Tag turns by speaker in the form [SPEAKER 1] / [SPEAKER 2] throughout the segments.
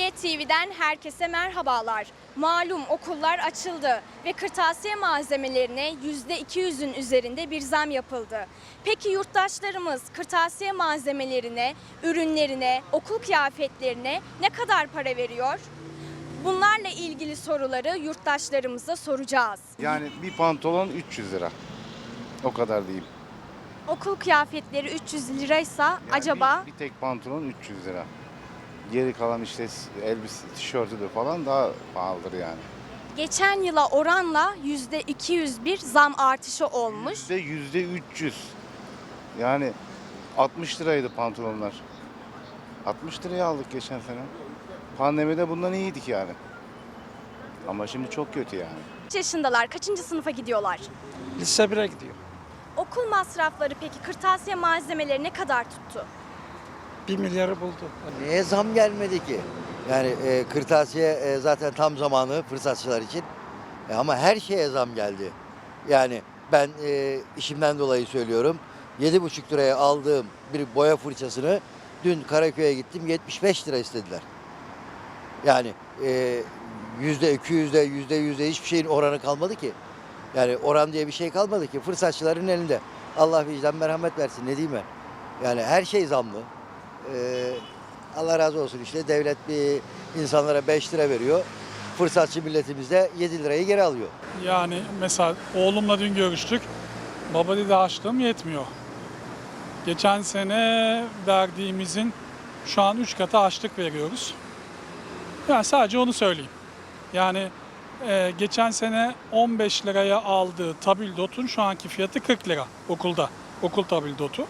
[SPEAKER 1] Cumhuriyet TV'den herkese merhabalar. Malum okullar açıldı ve kırtasiye malzemelerine %200'ün üzerinde bir zam yapıldı. Peki yurttaşlarımız kırtasiye malzemelerine, ürünlerine, okul kıyafetlerine ne kadar para veriyor? Bunlarla ilgili soruları yurttaşlarımıza soracağız.
[SPEAKER 2] Yani bir pantolon 300 lira. O kadar diyeyim.
[SPEAKER 1] Okul kıyafetleri 300 liraysa
[SPEAKER 2] Yani
[SPEAKER 1] acaba
[SPEAKER 2] bir tek pantolon 300 lira. Geri kalan işte elbise, tişörtüdür falan daha pahalıdır yani.
[SPEAKER 1] geçen yıla oranla %200 bir zam artışı olmuş.
[SPEAKER 2] %300. Yani 60 liraydı pantolonlar. 60 liraya aldık geçen sene. Pandemide bundan iyiydik yani. Ama şimdi çok kötü yani.
[SPEAKER 1] Kaç yaşındalar? Kaçıncı sınıfa gidiyorlar?
[SPEAKER 3] Lise 1'e gidiyor.
[SPEAKER 1] Okul masrafları peki kırtasiye malzemeleri ne kadar tuttu?
[SPEAKER 3] 1 milyarı buldu.
[SPEAKER 4] Niye zam gelmedi ki? Yani kırtasiye zaten tam zamanı fırsatçılar için. Ama her şeye zam geldi. Yani ben işimden dolayı söylüyorum. 7,5 liraya aldığım bir boya fırçasını dün Karaköy'e gittim 75 lira istediler. Yani %200'de %100'de hiçbir şeyin oranı kalmadı ki. Yani oran diye bir şey kalmadı ki. Fırsatçıların elinde. Allah vicdan merhamet versin ne diyeyim ben. Yani her şey zamlı. Allah razı olsun işte devlet bir insanlara 5 lira veriyor. Fırsatçı milletimiz de 7 lirayı geri alıyor.
[SPEAKER 5] Yani mesela oğlumla dün görüştük. Baba dedi harçlığım yetmiyor. Geçen sene verdiğimizin şu an 3 katı harçlık veriyoruz. Yani sadece onu söyleyeyim. Yani geçen sene 15 liraya aldığı tabildotun şu anki fiyatı 40 lira okulda. Okul tabildotu.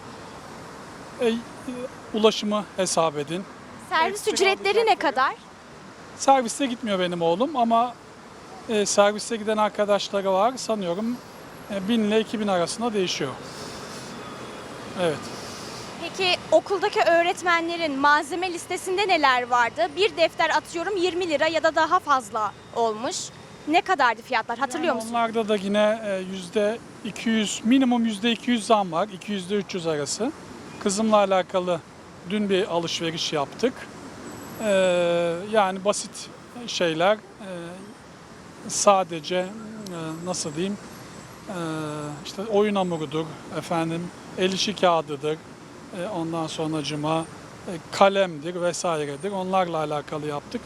[SPEAKER 5] Ulaşımı hesap edin.
[SPEAKER 1] Servis ücretleri ne kadar?
[SPEAKER 5] Serviste gitmiyor benim oğlum ama serviste giden arkadaşları var. Sanıyorum 1000 ile 2000 arasında değişiyor. Evet.
[SPEAKER 1] Peki okuldaki öğretmenlerin malzeme listesinde neler vardı? Bir defter atıyorum 20 lira ya da daha fazla olmuş. Ne kadardı fiyatlar hatırlıyor musun?
[SPEAKER 5] Onlarda da yine %200, minimum %200 zam var. 200 ile 300 arası. Kızımla alakalı dün bir alışveriş yaptık. Yani basit şeyler. Sadece nasıl diyeyim? İşte oyun hamurudur, efendim el işi kağıdıdır. Ondan sonracıma kalemdir vesairedir. Onlarla alakalı yaptık.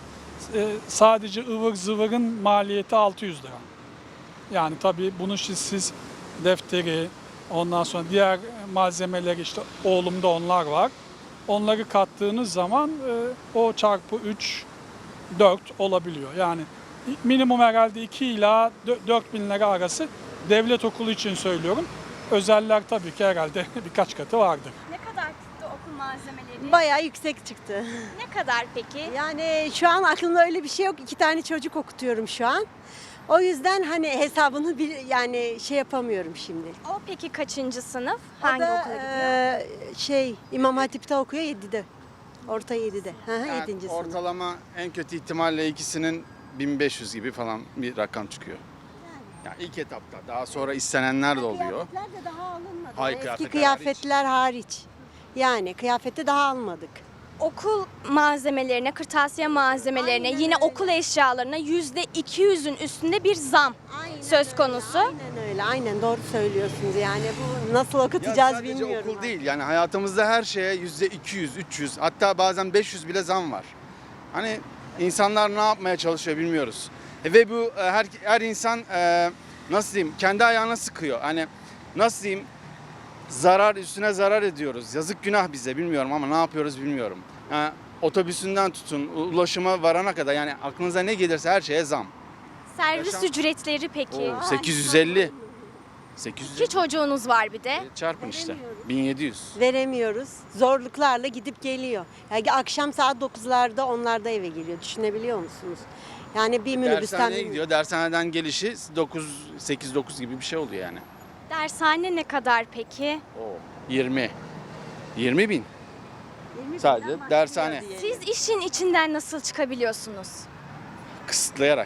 [SPEAKER 5] Sadece ıvır zıvırın maliyeti 600 lira. Yani tabii bunu siz defteri, ondan sonra diğer malzemeleri işte oğlumda onlar var. Onları kattığınız zaman o çarpı 3, 4 olabiliyor. Yani minimum herhalde 2 ila 4 bin lira arası devlet okulu için söylüyorum. Özeller tabii ki herhalde birkaç katı vardır.
[SPEAKER 1] Ne kadar tuttu okul malzemeleri?
[SPEAKER 6] Bayağı yüksek çıktı.
[SPEAKER 1] Ne kadar peki?
[SPEAKER 6] Yani şu an aklımda öyle bir şey yok. 2 tane çocuk okutuyorum şu an. O yüzden hani hesabını yani şey yapamıyorum şimdi.
[SPEAKER 1] O peki kaçıncı sınıf?
[SPEAKER 6] O
[SPEAKER 1] Hangi
[SPEAKER 6] da,
[SPEAKER 1] okula gidiyor?
[SPEAKER 6] İmam Hatip'te okuyor 7'de. Orta 7'de.
[SPEAKER 7] Yani
[SPEAKER 6] 7. sınıf.
[SPEAKER 7] ortalama en kötü ihtimalle ikisinin 1500 gibi falan bir rakam çıkıyor. Yani ilk etapta. Daha sonra istenenler de oluyor.
[SPEAKER 6] Kıyafetler de daha alınmadı.
[SPEAKER 7] Hayır,
[SPEAKER 6] Eski
[SPEAKER 7] kıyafetler
[SPEAKER 6] kıyafetler hariç. Yani kıyafeti daha almadık.
[SPEAKER 1] Okul malzemelerine, kırtasiye malzemelerine,
[SPEAKER 6] Aynen
[SPEAKER 1] yine
[SPEAKER 6] öyle.
[SPEAKER 1] okul eşyalarına %200'ün üstünde bir zam söz konusu.
[SPEAKER 6] Aynen öyle. Aynen doğru söylüyorsunuz. Yani bu nasıl
[SPEAKER 7] Ya
[SPEAKER 6] okutacağız
[SPEAKER 7] sadece
[SPEAKER 6] bilmiyorum.
[SPEAKER 7] okul değil, yani hayatımızda her şeye %200, 300, hatta bazen 500 bile zam var. Hani insanlar ne yapmaya çalışıyor bilmiyoruz. Ve bu her insan nasıl diyeyim kendi ayağına sıkıyor. Hani nasıl diyeyim zarar üstüne zarar ediyoruz. Yazık günah bize bilmiyorum ama ne yapıyoruz bilmiyorum. Yani otobüsünden tutun ulaşıma varana kadar yani aklınıza ne gelirse her şeye zam.
[SPEAKER 1] Servis
[SPEAKER 7] Yaşam-
[SPEAKER 1] ücretleri peki?
[SPEAKER 7] 850. 850
[SPEAKER 1] İki çocuğunuz var bir de.
[SPEAKER 7] çarpın işte. 1700.
[SPEAKER 6] Veremiyoruz. Zorluklarla gidip geliyor. Yani akşam saat 9'larda onlarda eve geliyor. Düşünebiliyor musunuz? Yani bir minibüsten
[SPEAKER 7] Dershaneye gidiyor. Dershaneden gelişi 8-9 gibi bir şey oluyor yani.
[SPEAKER 1] Dershane ne kadar peki?
[SPEAKER 7] 20. 20 bin. Sadece dershane.
[SPEAKER 1] Siz işin içinden nasıl çıkabiliyorsunuz?
[SPEAKER 7] Kısıtlayarak.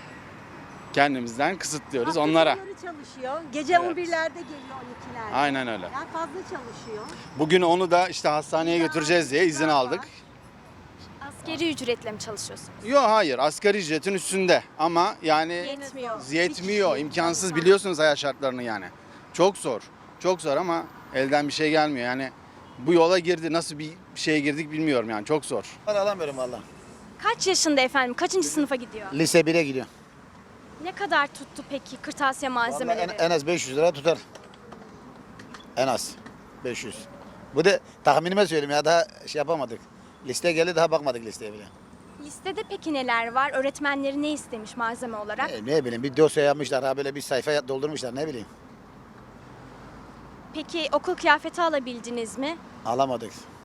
[SPEAKER 7] Kendimizden kısıtlıyoruz onlara.
[SPEAKER 6] çalışıyor. Gece
[SPEAKER 7] Evet.
[SPEAKER 6] 11'lerde geliyor 12'lerde.
[SPEAKER 7] Aynen öyle.
[SPEAKER 6] Yani fazla çalışıyor.
[SPEAKER 7] Bugün onu da işte hastaneye götüreceğiz diye izin aldık.
[SPEAKER 1] Asgari ücretle mi çalışıyorsunuz?
[SPEAKER 7] Yok hayır, asgari ücretin üstünde ama yani yetmiyor, imkansız, biliyorsunuz hayat şartlarını yani. Çok zor, çok zor ama elden bir şey gelmiyor yani. Bu yola girdi, nasıl bir şeye girdik bilmiyorum yani, çok zor.
[SPEAKER 8] Alamıyorum valla.
[SPEAKER 1] Kaç yaşında efendim? Kaçıncı sınıfa gidiyor?
[SPEAKER 8] Lise 1'e gidiyor.
[SPEAKER 1] Ne kadar tuttu peki kırtasiye
[SPEAKER 8] Vallahi
[SPEAKER 1] malzemeleri?
[SPEAKER 8] en az 500 lira tutar. En az 500. Bu da tahminime söyleyeyim ya, daha şey yapamadık. Liste geldi, daha bakmadık listeye bile.
[SPEAKER 1] Listede peki neler var? Öğretmenleri ne istemiş malzeme olarak?
[SPEAKER 8] Ne bileyim, bir dosya yapmışlar, ha böyle bir sayfa doldurmuşlar, ne bileyim.
[SPEAKER 1] Peki okul kıyafeti alabildiniz mi?
[SPEAKER 8] Alamadık.